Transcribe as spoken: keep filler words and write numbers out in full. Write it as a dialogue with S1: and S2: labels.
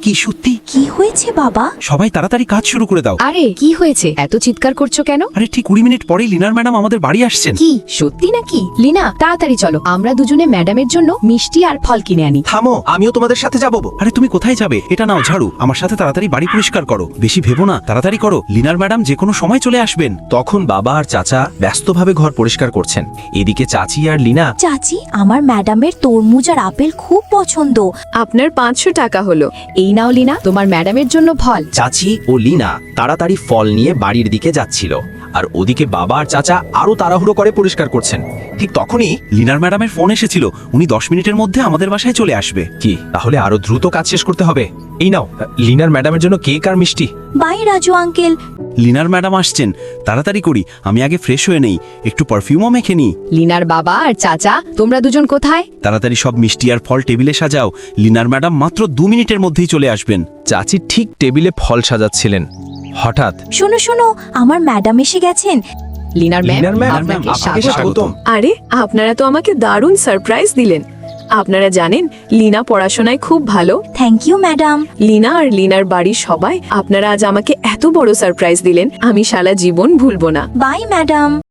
S1: কি সত্যি?
S2: কি হয়েছে বাবা?
S1: সবাই তাড়াতাড়ি কাজ শুরু করে দাও।
S3: আরে কি হয়েছে, এত চিৎকার করছো কেন?
S1: আরে ঠিক কুড়ি মিনিট পরেই লিনার ম্যাডাম আমাদের বাড়ি আসছেন।
S3: কি সত্যি নাকি? লিনা তাড়াতাড়ি চলো, আমরা দুজনে ম্যাডামের জন্য মিষ্টি আর ফল কিনে আনি।
S4: থামো, আমিও তোমাদের সাথে যাবো।
S1: আরে তুমি কোথায় যাবে? এটা নাও ঝাড়ু, আমার সাথে তাড়াতাড়ি বাড়ি পরিষ্কার করো। বেশি ভেবো না, তাড়াতাড়ি করো, লিনার ম্যাডাম যে কোনো সময় চলে আসবেন।
S4: তখন বাবা আর চাচা ব্যস্তভাবে ঘর পরিষ্কার করছেন। এদিকে চাচি আর লিনা।
S2: চাচি, আমার ম্যাডামের তরমুজ আর আপেল খুব পছন্দ।
S3: আপনার পাঁচশো টাকা হলো, এই নাও লিনা তোমার ম্যাডামের জন্য ফল।
S4: চাচি ও লিনা তাড়াতাড়ি ফল নিয়ে বাড়ির দিকে যাচ্ছিল, আর ওদিকে বাবা আর চাচা আরো তাড়াহুড়ো করে পরিষ্কার করছেন। ঠিক তখনই
S1: লিনার ম্যাডামের ফোন এসেছিল, উনি দশ মিনিটের মধ্যে আমাদের বাসায় চলে আসবে।
S4: কি, তাহলে আরো দ্রুত কাজ শেষ করতে হবে। এই নাও লিনার ম্যাডামের জন্য কেক আর মিষ্টি।
S2: Bye Raju uncle.
S1: লিনার ম্যাডাম আসছেন, তাড়াতাড়ি করি, আমি আগে ফ্রেশ হয়ে নেই, একটু পারফিউমও মেখে নিই।
S3: লিনার বাবা আর চাচা তোমরা দুজন কোথায়?
S1: তাড়াতাড়ি সব মিষ্টি আর ফল টেবিলে সাজাও, লিনার ম্যাডাম মাত্র দু মিনিটের মধ্যেই চলে আসবেন।
S4: চাচি ঠিক টেবিলে ফল সাজাচ্ছিলেন, হঠাৎ
S2: শোনো শোনো, আমার ম্যাডাম এসে গেছেন।
S3: লিনার ম্যাম
S4: লিনার ম্যাম,
S3: আপনাকে
S4: আপনাকে
S3: স্বাগত।
S4: স্বাগতম।
S5: আরে আপনারা তো আমাকে দারুণ সারপ্রাইজ দিলেন। আপনারা জানেন লিনা পড়াশোনায় খুব ভালো।
S2: Thank you madam.
S5: লিনা আর লিনার বাড়ির সবাই আপনারা আজ আমাকে এত বড় সারপ্রাইজ দিলেন, আমি সারা জীবন ভুলবো না।
S2: Bye madam.